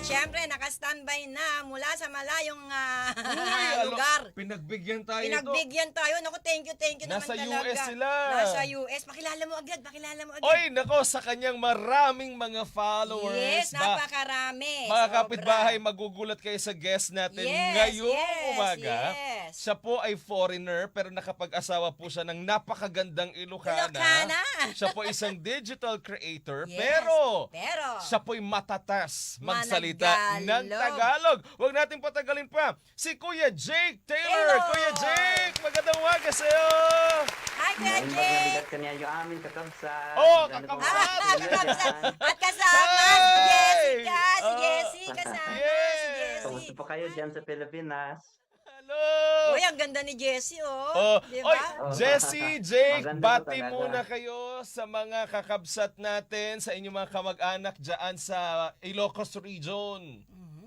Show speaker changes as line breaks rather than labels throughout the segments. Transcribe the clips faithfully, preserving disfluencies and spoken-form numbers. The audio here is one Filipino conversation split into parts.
syempre, naka-standby na mula sa malayong ah,
Uy, alo,
lugar.
pinagbigyan tayo ito.
Pinagbigyan tayo. Naku, thank you, thank you
Nasa
naman
U
talaga.
S sila.
Nasa U S. Pakilala mo agad, pakilala mo agad.
Oy, nako, sa kanyang maraming mga followers.
Yes,
ba-
napakarami.
Mga
Sobra.
kapitbahay, magugulat kayo sa guest natin
Yes,
ngayong
yes,
umaga.
yes.
Siya po ay foreigner pero nakapag-asawa po siya ng napakagandang Ilocana.
Ilocana.
Siya po isang digital creator
Yes,
pero,
pero
siya po'y matatas magsalita
Managalog.
ng Tagalog. Huwag natin patagalin pa. Si Kuya Jake Taylor.
Taylor.
Kuya Jake, magandang umaga sa'yo.
Hi, Kuya
Ngayon
Jake.
magbibigay kanya yung aming kakamsat.
Oh,
Ganda
kakamsat.
po ang
Ah,
ating
kakamsat.
yan.
At kasama
Hey!
si Jessica. Si
Oh.
Jessie, kasama
Yes.
si Jessie.
Kamusta po kayo dyan sa Pilipinas?
Hello.
Uy, ang ganda ni Jessie, oh.
Oh,
Di
oy,
ba?
Jessie, Jake,
Maganda
bati
po talaga.
muna kayo sa mga kakabsat natin, sa inyong mga kamag-anak dyan sa Ilocos Region.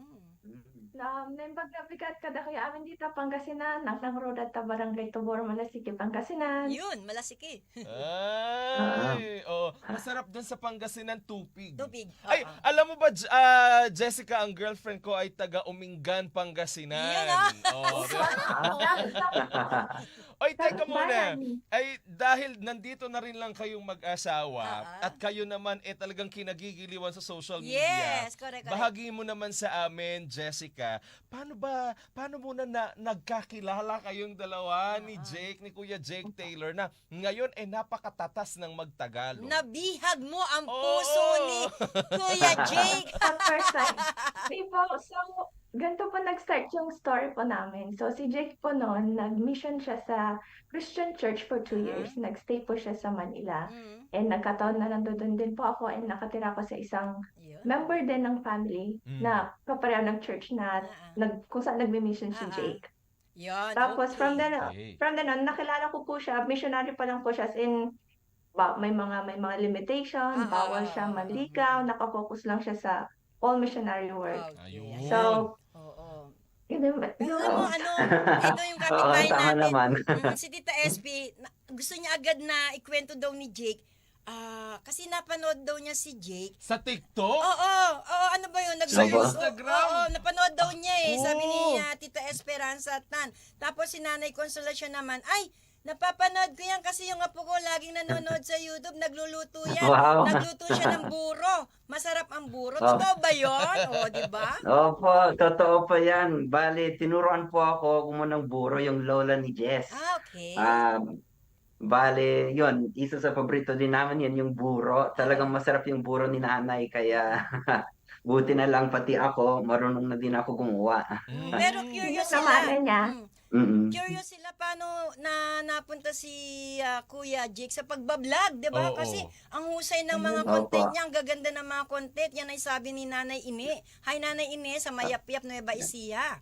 Na nembag na bigat kada kaya amin dito Pangasinan, nang roda ta barangay Tubor, Malasiki, Pangasinan.
Yun, malasiki.
Ay, oh, masarap dun sa Pangasinan, tupig.
Tubig.
Ay,
Oo.
alam mo ba, J- ah, Jessica, ang girlfriend ko ay taga Umingan, Pangasinan.
Yun, ah.
Oh, di ba? Oy, teka muna. Ay, dahil nandito na rin lang kayong mag-asawa
Ah, ah.
at kayo naman eh talagang kinagigiliwan sa social media.
Yes, correct, correct.
Bahagi mo naman sa amin, Jessica, paano ba, paano muna na nagkakilala kayong dalawa ni Jake, ni Kuya Jake Taylor na ngayon eh napakatatas ng magtagalog?
Nabihag mo ang
Oo.
puso ni Kuya Jake.
Sa first time. Di po, so, ganito po nag-start yung story po namin. So, si Jake po noon, nag-mission siya sa Christian Church for two years. Nag-stay po siya sa Manila.
Mm,
And nagkataon na nandun din po ako and nakatira ko sa isang
yun.
member din ng family
Mm.
na kapareho ng church na
Ah, ah.
nag, kung saan nagmi-mission si
Ah, ah.
Jake.
Yun,
Tapos
okay.
from then on,
Okay.
from then on, nakilala ko po siya, missionary pa lang po siya, as in, ba, may mga may mga limitation,
Ah, ah,
bawal
ah,
siya
ah,
manlikaw, nakafocus lang siya sa all missionary work.
Okay.
Ayun.
So,
Oo.
yun yung,
Pero
yun,
alam mo, ano, ito yung
Oo,
kapitbahay
tama
natin.
naman.
Mm, si Tita S P, na- gusto niya agad na ikwento daw ni Jake. Ah, kasi napanood daw niya si Jake.
Sa TikTok?
Oo, oo, ano ba yun? Nag-
Sa
Instagram?
Oo, napanood daw niya eh. Sabi ni
Oo.
ah, Tita Esperanza Tan. Tapos si Nanay Consolacion naman, ay, napapanood ko yan kasi yung apo ko laging nanonood sa YouTube, nagluluto yan.
Wow.
Nagluto siya ng buro. Masarap ang buro.
Oh.
Totoo ba yun? O, di ba?
Opo, totoo pa yan. Bali, tinuruan po ako gumunang buro yung lola ni Jess.
Ah, okay.
Um, bale, yun, isa sa paborito din namin yan, yung buro. Talagang masarap yung buro ni nanay, kaya buti na lang pati ako, marunong na din ako gumawa.
Mm.
Pero curious
Yung
sila.
namana niya.
Mm.
Mm-mm.
Curious sila paano na napunta si ah, Kuya Jake sa pagbablog, 'di ba?
Oo.
Kasi ang husay ng mga
Opo.
content niya, ang gaganda ng mga content. Yan ay sabi ni Nanay Ine. Hi Nanay Ine sa Mayapyap Nueva Ecija.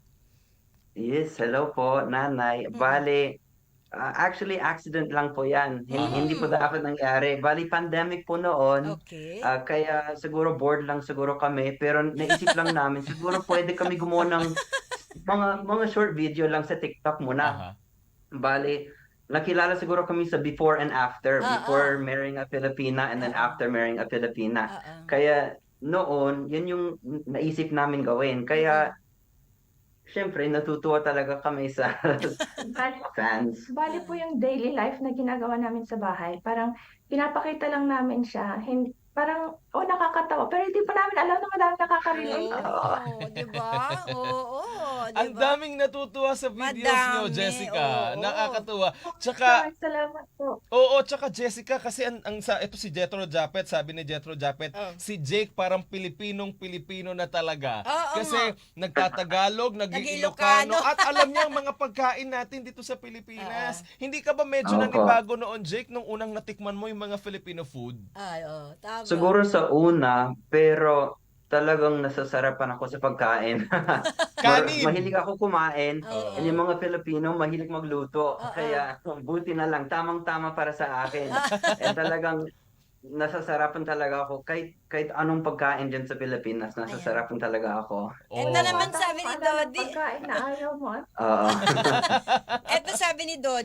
Yes, hello po, nanay. Bale, ah, actually, accident lang po yan. Hin-
Mm.
Hindi po dapat nangyari. Bali, pandemic po noon.
Okay.
Ah, kaya siguro bored lang siguro kami, pero naisip lang namin, siguro pwede kami gumawa ng mga mga short video lang sa TikTok muna.
Aha.
Bali, nakilala siguro kami sa before and after.
Ah,
Before marrying a Filipina and then
Ah, ah.
after marrying a Filipina.
Ah, ah.
Kaya noon, yun yung naisip namin gawin. Kaya, syempre, natutuwa talaga kami sa
bali,
fans.
bali po yung daily life na ginagawa namin sa bahay. Parang pinapakita lang namin siya. Hindi, parang, oh, nakakatawa. Pero hindi pa namin alam na madami nakaka-relate.
Oo, 'di ba? Oo, 'di
Ang
ba?
daming natutuwa sa videos nyo,
Madami,
Jessica.
oo.
Nakakatuwa. Tsaka,
Salamat, salamat po.
oo, tsaka Jessica, kasi ang, ang sa, ito si Jethro Japet, sabi ni Jethro Japet,
Oh.
si Jake parang Pilipinong-Pilipino na talaga.
Oo
Kasi
nga.
nagtatagalog,
Nag-Ilocano.
nag-Ilocano, at alam niya ang mga pagkain natin dito sa Pilipinas. Hindi ka ba medyo
Opo.
nanibago noon, Jake, nung unang natikman mo yung mga Filipino food?
Ay, oh, tama.
Siguro sa una, pero talagang nasasarapan ako sa pagkain. Mar-
Kanin.
mahilig ako kumain.
Oo.
And yung mga Pilipino, mahilig magluto.
Oo.
Kaya buti na lang, tamang-tama para sa akin. And talagang nasasarapan talaga ako. Kahit, kahit anong pagkain dyan sa Pilipinas, nasasarapan talaga ako.
Ito
Oo.
naman sabi ni
Parang
Dodi.
Pagkain na ayaw mo.
Oo.
Ito sabi ni Dodi,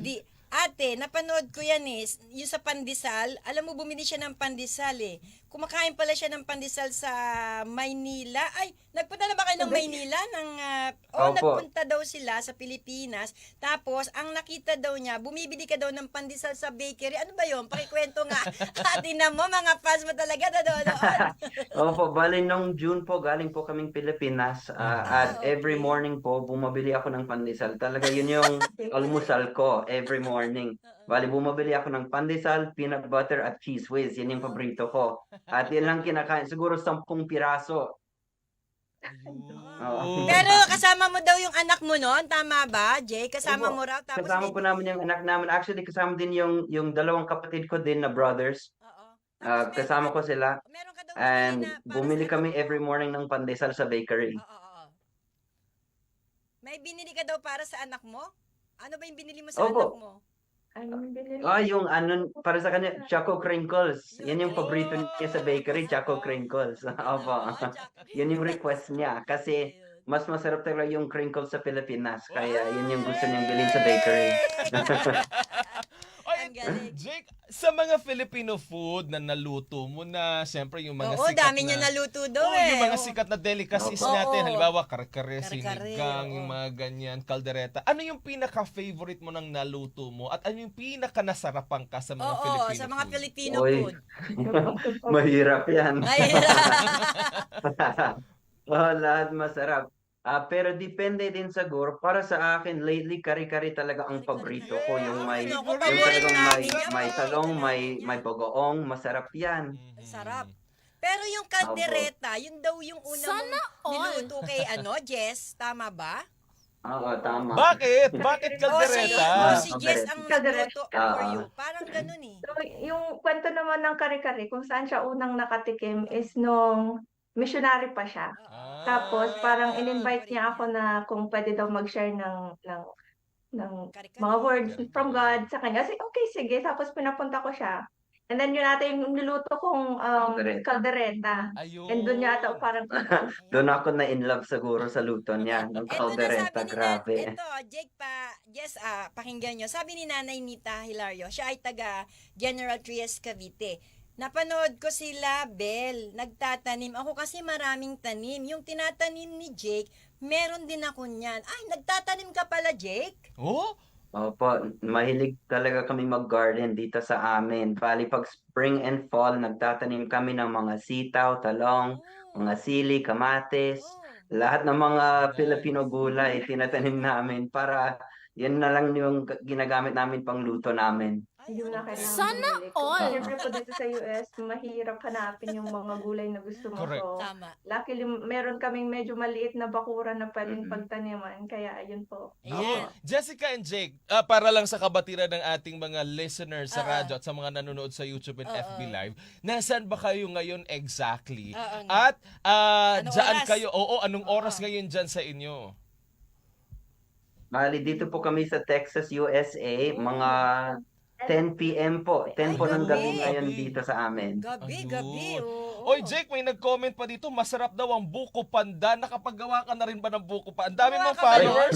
Ate, napanood ko yan eh, yung sa pandesal, alam mo bumili siya ng pandesal eh. Kumakain pala siya ng pandesal sa Maynila. Ay, nagpunta na ba kayo ng Maynila? Ng, ah, oh,
Opo.
nagpunta daw sila sa Pilipinas. Tapos, ang nakita daw niya, bumibili ka daw ng pandesal sa bakery. Ano ba yun? Pakikwento nga. Ate na mo, mga fans mo talaga nanonood.
Opo, bali nung June po, galing po kaming Pilipinas. ah, at
Ah,
every
okay.
morning po, bumabili ako ng pandesal. Talaga yun yung almusal ko every morning. Bali, bumabili ako ng pandesal, peanut butter, at cheese whiz. Yan yung paborito ko. At yan lang kinakain. Siguro sampung piraso.
Ayun.
Pero kasama mo daw yung anak mo noon, tama ba, Jay? Kasama
Opo.
mo raw. Tapos
Kasama
may-
po namin yung anak namin. Actually, kasama din yung, yung dalawang kapatid ko din na brothers.
Oo.
Ah,
Tapos meron
kasama
ka-
ko sila.
Meron ka daw
And
binili na para
bumili
sa
kami
anak mo.
every morning ng pandesal sa bakery.
Oo, oo, oo. May binili ka daw para sa anak mo? Ano ba yung binili mo sa
Opo.
anak mo?
Anong binili?
Ah, yung ano, para sa kanya, Choco Crinkles. Yan yung paborito niya sa bakery, Choco Crinkles. Opo.
Oo, Jack.
Yun yung request niya. Kasi
Ayun.
mas masarap talaga yung crinkles sa Pilipinas. Kaya yun yung gusto niyang bilhin sa bakery.
Oy,
Ang galing.
Jake, sa mga Filipino food na naluto mo na, siyempre yung mga
Oo,
sikat
dami
na...
niya naluto daw
Oo,
eh.
yung mga
Oo.
sikat na delicacies
Opo.
natin.
Oo.
Halimbawa, kare-kare,
Kare-kare,
sinigang,
oo.
yung mga ganyan, kaldereta. Ano yung pinaka-favorite mo ng naluto mo? At ano yung pinaka-nasarapan ka sa mga
Oo,
Filipino
sa mga
food?
Filipino
Oy.
food.
Mahirap yan.
Mahirap.
Oh, lahat masarap. Ah, pero depende din siguro. Para sa akin, lately, kari-kari talaga ang paborito ko. Yung may,
Ay, naku,
yung
paborito
talagang may,
namin yan.
may
Paborito
talong, may,
namin
may
yan.
bagoong. Masarap yan.
Mhm.
Sarap. Pero yung kaldereta, yun daw yung una
Sana
mong
all.
niluto kay ano, Jess, tama ba?
Oo, tama.
Bakit? Bakit
O si,
kaldereta?
o si Jess ang
Kaldereta.
nagluto
Ah,
for
ah.
you. Parang ganun eh.
So, yung kwento naman ng kare-kare, kung saan siya unang nakatikim is nung missionary pa siya.
Ah.
Tapos parang
Ah,
in-invite
correct
niya ako
yan.
na kung pwede daw mag-share ng ng ng
Kare-kare.
mga words
Kare-kare.
from God sa kanya. Kasi okay, sige. Tapos pinapunta ko siya. And then yun ata yung niluto kong um,
Kaldereta.
kaldereta.
Ayun.
And doon niya ata parang
Doon ako na in love siguro sa luto niya. Ng
Ito na
kaldereta,
sabi ni
grabe.
Nan, ito, Jake pa, Jess, ah, pakinggan nyo. Sabi ni Nanay Nita Hilario, siya ay taga General Trias, Cavite. Napanood ko sila, Bel, nagtatanim. Ako kasi maraming tanim. Yung tinatanim ni Jake, meron din ako niyan. Ay, nagtatanim ka pala, Jake?
Oh?
Opo, mahilig talaga kami mag-garden dito sa amin. Bali, pag spring and fall, nagtatanim kami ng mga sitaw, talong,
Oh,
mga sili, kamatis,
oh.
lahat ng mga
Nice.
Filipino gulay, tinatanim namin para yan na lang yung ginagamit namin pang luto namin.
Ay,
hindi mo na
ang
kailangan
Sana
bumili. Kung
all.
Siyempre po dito sa U S, mahirap hanapin yung mga gulay na gusto mo.
Correct.
So,
Tama.
luckily, meron kaming medyo maliit na bakuran na pwedeng
Mhm.
pagtaniman. Kaya, ayun po.
Ayan.
Jessica and Jake, ah, para lang sa kabatiran ng ating mga listeners sa
Oo.
radyo at sa mga nanonood sa YouTube and
Oo.
F B Live, nasaan ba kayo ngayon exactly?
Oo nga.
At ah,
Anong
dyan
oras?
kayo, oo, anong
Oo.
oras ngayon dyan sa inyo?
Bali, dito po kami sa Texas, U S A, mga ten p m po. ten
Ay,
po ng gabi
gabi.
ngayon dito sa amin.
Gabi,
Ayun.
gabi. Oo.
Oy, Jake, may nag-comment pa dito, masarap daw ang buko panda. Nakapagawa ka na rin ba ng buko panda? Ang dami
Gawa
mong
ka ba
followers.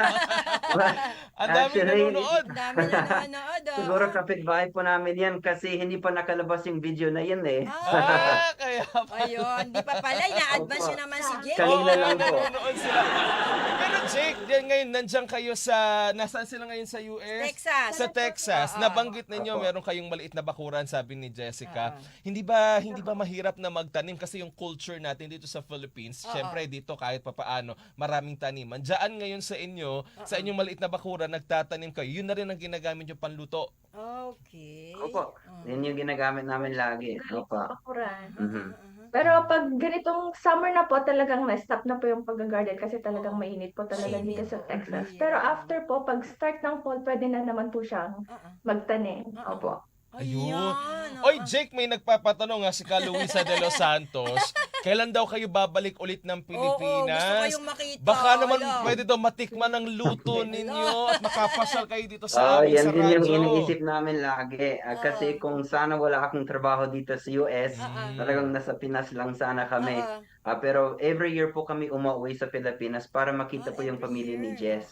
Ang dami
Actually,
nanonood.
Ang dami na nanonood. oh.
Siguro kapitbahay po namin yan kasi hindi pa nakalabas yung video na yun eh.
Ah,
Ah, kaya pa.
ayun. Di pa pala. Ina-advance
Opo.
nyo naman si Jake.
Kanina
Oo,
lang po.
nanonood sila. Pero Jake, yan ngayon, nandiyan kayo sa, nasaan sila ngayon sa U S?
Texas.
Sa Texas.
Oo.
Nabanggit ninyo,
Opo.
meron kayong maliit na bakuran, sabi ni Jessica.
Oo.
Hindi ba hindi ba mahirap na magtanim kasi yung culture natin dito sa Philippines,
Oo.
syempre dito kahit papaano, maraming taniman. Diyan ngayon sa inyo, sa inyong maliit na bakuran, nagtatanim kayo. Yun na rin ang ginagamit yung panluto.
Okay.
Opo,
Oh.
yun yung ginagamit namin lagi. Opo.
Bakuran.
Mhm.
Uh-huh.
Pero pag ganitong summer na po, talagang na-stop na po yung pag-garden kasi talagang mainit po talaga
Mainit
dito sa
po.
Texas.
Yeah.
Pero after po, pag start ng fall, pwede na naman po siyang
Uh-uh.
magtanim.
Oo.
Opo.
Ayun.
Ayan,
Oy,
oo.
Jake, may nagpapatanong nga si Ka Luisa de los Santos. Kailan daw kayo babalik ulit ng
Oo, gusto
Pilipinas?
kayong makita.
Baka naman
Wala.
pwede daw matikman ang luto ninyo at makapasyal kayo dito sa
Ah,
amin
yan
sa
din yung
radyo.
iniisip namin lagi. Ah, kasi
Oo.
kung sana wala akong trabaho dito sa U S,
Oo.
talagang nasa Pinas lang sana kami.
Oo.
Ah, pero every year po kami umuwi sa Pilipinas para makita
Oh,
po yung
every
pamilya ni
year.
Jess.
Oo,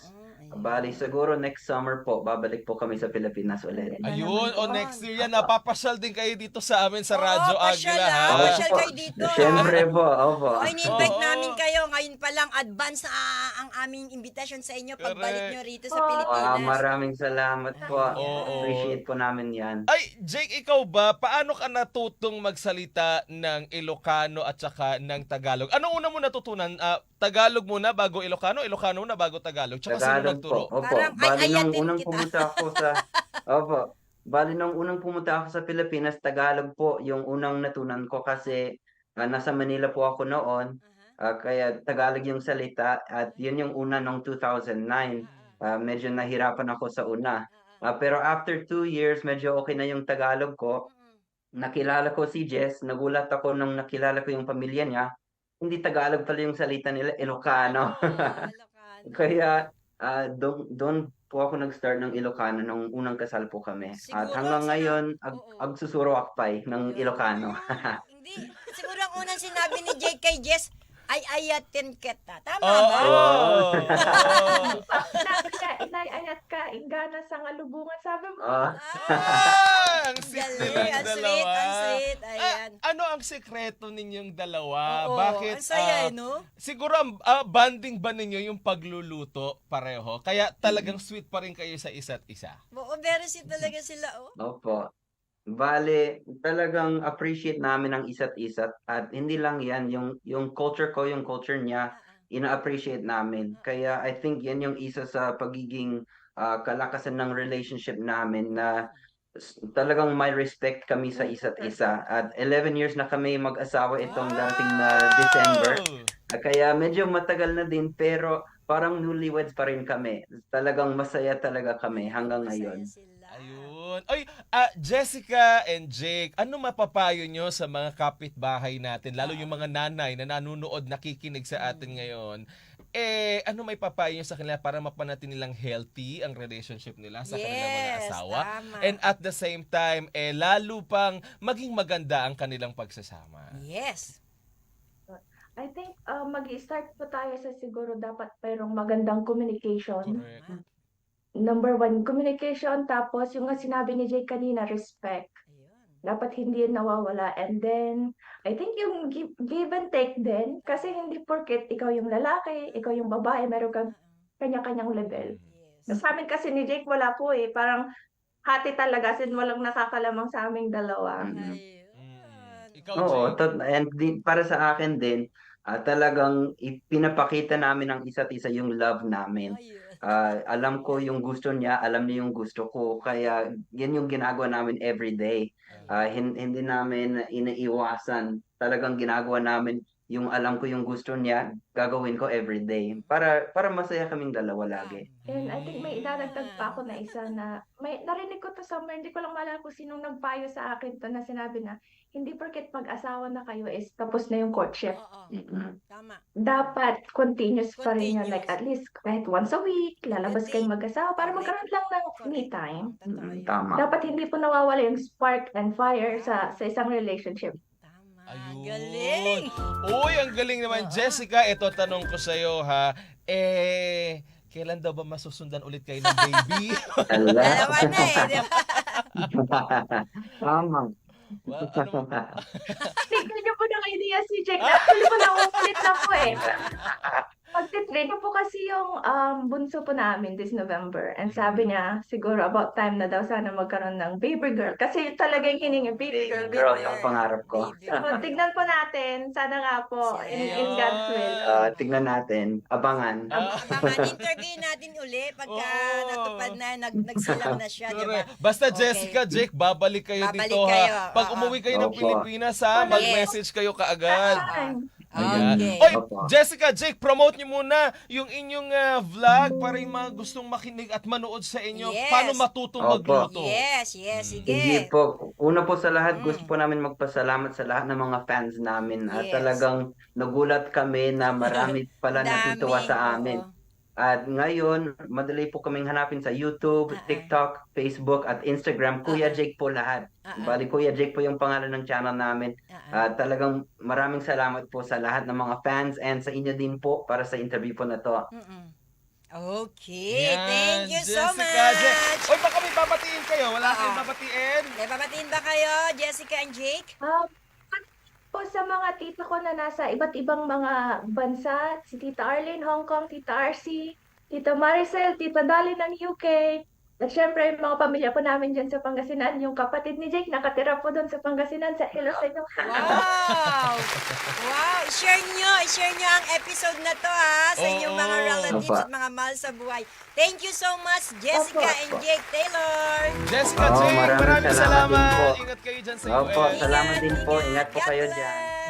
Ayun.
Bali, siguro next summer po, babalik po kami sa Pilipinas ulit.
Ganda
Ayun,
naman
o
po.
next year yan, napapasyal din kayo dito sa amin sa Radyo
Oo, pasyal
Agila,
ha.
ha?
Pasyal kayo dito, ha?
Siyempre po, opo.
Oh, in-invite
Oo.
namin kayo. Ngayon pa lang, advance ah, ang aming invitation sa inyo pagbalik
Correct.
nyo rito sa
Oh.
Pilipinas.
Ah, maraming salamat po.
Oo.
Appreciate po namin yan.
Ay, Jake, ikaw ba, paano ka natutong magsalita ng Ilocano at saka ng Tagalog? Anong una mo natutunan? Ah, Tagalog muna bago Ilocano, Ilocano muna bago Tagalog. Tsaka sino
Tagalog
nagturo?
po. Opo.
Parang
Bali nung
ay-ayatin
unang
kita.
pumunta ako sa Opo. Bali nung unang pumunta ako sa Pilipinas, Tagalog po yung unang natunan ko kasi ah, nasa Manila po ako noon.
Aha.
Ah, kaya Tagalog yung salita at yun yung una nung two thousand nine. Ah, medyo nahirapan ako sa una. Ah, pero after two years, medyo okay na yung Tagalog ko. Nakilala ko si Jess, nagulat ako nung nakilala ko yung pamilya niya. Hindi Tagalog pala yung salita nila, Ilocano.
Ah, Ilocano.
Kaya ah, doon doon po ako nag-start ng Ilocano nung unang kasal po kami. At
Siguro
hanggang
sina-
ngayon, ag,
Oo.
agsusuro akpay ng Ilocano.
Ah, hindi. Siguro ang unang sinabi ni Jake kay Jess, ay ayatin kita. Tama
Oo.
ba?
Oo.
Inay-ayat ka, ingana sa ngalubungan. Sabi mo,
Ah,
Ah, ang sweet
Galing,
nilang
ang sweet,
dalawa.
ang sweet. Ayan.
Ah, ano ang sekreto ninyong dalawa?
Oo,
Bakit?
ang saya,
ah,
no?
Siguro ang ah, bonding ba ninyo yung pagluluto pareho? Kaya talagang sweet pa rin kayo sa isa't isa.
Oo, very sweet talaga sila, oh.
opo. Bale, talagang appreciate namin ang isa't isa at hindi lang yan, yung, yung culture ko, yung culture niya,
Ah,
ina-appreciate namin. Kaya I think yan yung isa sa pagiging ah, kalakasan ng relationship namin na s- talagang may respect kami sa isa't isa. At eleven years na kami mag-asawa itong dating na December. Ah, Kaya medyo matagal na din pero parang newlyweds pa rin kami. Talagang masaya talaga kami hanggang
masaya
ngayon.
sila.
Ayun. Ay, ah, Jessica and Jake, ano mapapayo nyo sa mga kapitbahay natin, lalo yung mga nanay na nanonood, nakikinig sa atin ngayon? Eh, ano may papayo nyo sa kanila para mapanatili nilang healthy ang relationship nila sa kanilang mga
Yes,
asawa?
tama.
And at the same time, eh, lalo pang maging maganda ang kanilang pagsasama.
Yes.
I think uh, mag-start po tayo sa siguro dapat mayroong magandang communication.
Correct.
Number one, communication. Tapos yung nga sinabi ni Jay kanina, respect.
Ayun.
Dapat hindi yun nawawala. And then, I think yung give, give and take din. Kasi hindi porket ikaw yung lalaki, ikaw yung babae, meron kang kanya-kanyang level.
Yes.
Sa amin kasi ni Jake wala po eh. Parang hati talaga. Sin walang nakakalamang sa aming dalawa.
Mm.
Ayun.
Ikaw,
Oo,
Jake?
tot- and di, para sa akin din, ah, talagang ipinapakita namin ang isa't isa yung love namin.
Ayun.
Ah, alam ko yung gusto niya, alam niya yung gusto ko. Kaya yan yung ginagawa namin every day. Ah, hin- hindi namin iniiwasan. Talagang ginagawa namin yung alam ko yung gusto niya, gagawin ko every day. Para para masaya kaming dalawa lagi.
And I think may idadagdag pa ako na isa na may narinig ko to somewhere, hindi ko lang maalala kung sinong nagpayo sa akin to na sinabi na hindi porket pag-asawa na kayo is tapos na yung courtship.
Oo.
Mm-mm.
Tama.
Dapat continuous pa rin yun. Like
Continuous.
at least kahit once a week, lalabas kayong mag-asawa para
Correct.
magkaroon lang ng me
Correct.
time.
Totoo
Mm-mm,
yun.
Tama.
Dapat hindi po nawawala yung spark and fire sa sa isang relationship.
Tama.
Ayun.
Galing.
Uy, ang galing naman.
Oo.
Jessica, ito tanong ko sa'yo ha. Eh, kailan daw ba masusundan ulit kayo ng baby?
Ala.
Dalawa na eh. Di ba?
Tama.
Well, ano,
Tignan niyo po ng idea si Jake. Actually po nauulit na po eh. Magtitrain po kasi yung um, bunso po namin this November. And sabi niya, siguro about time na daw sana magkaroon ng baby girl. Kasi yun talaga yung hiningi, baby girl.
Baby girl yung pangarap ko.
Baby
So,
girl.
tignan po natin. Sana nga po, in, in God's will.
Ah, tignan natin, abangan.
Ah.
Abangan interview natin uli pagka
Oo.
natupad na, nag, nagsilang na siya, di ba?
correct. Basta
Okay.
Jessica, Jake, babalik kayo
Babalik
dito
kayo.
ha. Pag
Oo.
umuwi kayo ng
Opo.
Pilipinas ha,
Yes.
mag-message kayo kaagad.
Fine.
Ayan.
Okay.
Oy,
Opo.
Jessica, Jake, promote niyo muna yung inyong ah, vlog para yung mga gustong makinig at manood sa inyo.
Yes.
Paano matutong
Opo.
magluto?
Yes, yes, sige.
Sige po. Una po sa lahat,
Mm.
gusto po namin magpasalamat sa lahat ng mga fans namin. At
Yes.
talagang nagulat kami na marami pala natutuwa
Dami,
sa amin.
oo.
At ngayon, madali po kaming hanapin sa YouTube,
Ah, ah.
TikTok, Facebook, at Instagram.
Ah, ah.
Kuya Jake po lahat.
Ah, ah.
Bali, Kuya Jake po yung pangalan ng channel namin.
Ah, ah.
At talagang maraming salamat po sa lahat ng mga fans and sa inyo din po para sa interview po na to.
Mm-mm. Okay,
Yan,
thank you so
Jessica,
much.
Je- Oy, baka may babatiin kayo. Wala
Oo.
kayong babatiin.
May papatiin ba kayo, Jessica and Jake?
Um, po sa mga tita ko na nasa iba't ibang mga bansa, si Tita Arlene, Hong Kong, Tita R C, Tita Maricel, Tita Dali ng U K, at syempre yung mga pamilya po namin dyan sa Pangasinan, yung kapatid ni Jake nakatira po doon sa Pangasinan, sa Iloilo.
Wow! Wow! I-share nyo, i-share nyo ang episode na to ha sa inyong mga
Oo.
relatives
Opo.
at mga mahal sa buhay. Thank you so much, Jessica
Opo.
and Jake Taylor.
Jessica,
Oo,
Jake,
maraming
maraming
salamat din
salamat.
po.
Ingat kayo dyan sa
Opo,
U S.
salamat din po. Ingat po
God
kayo
bless.
dyan.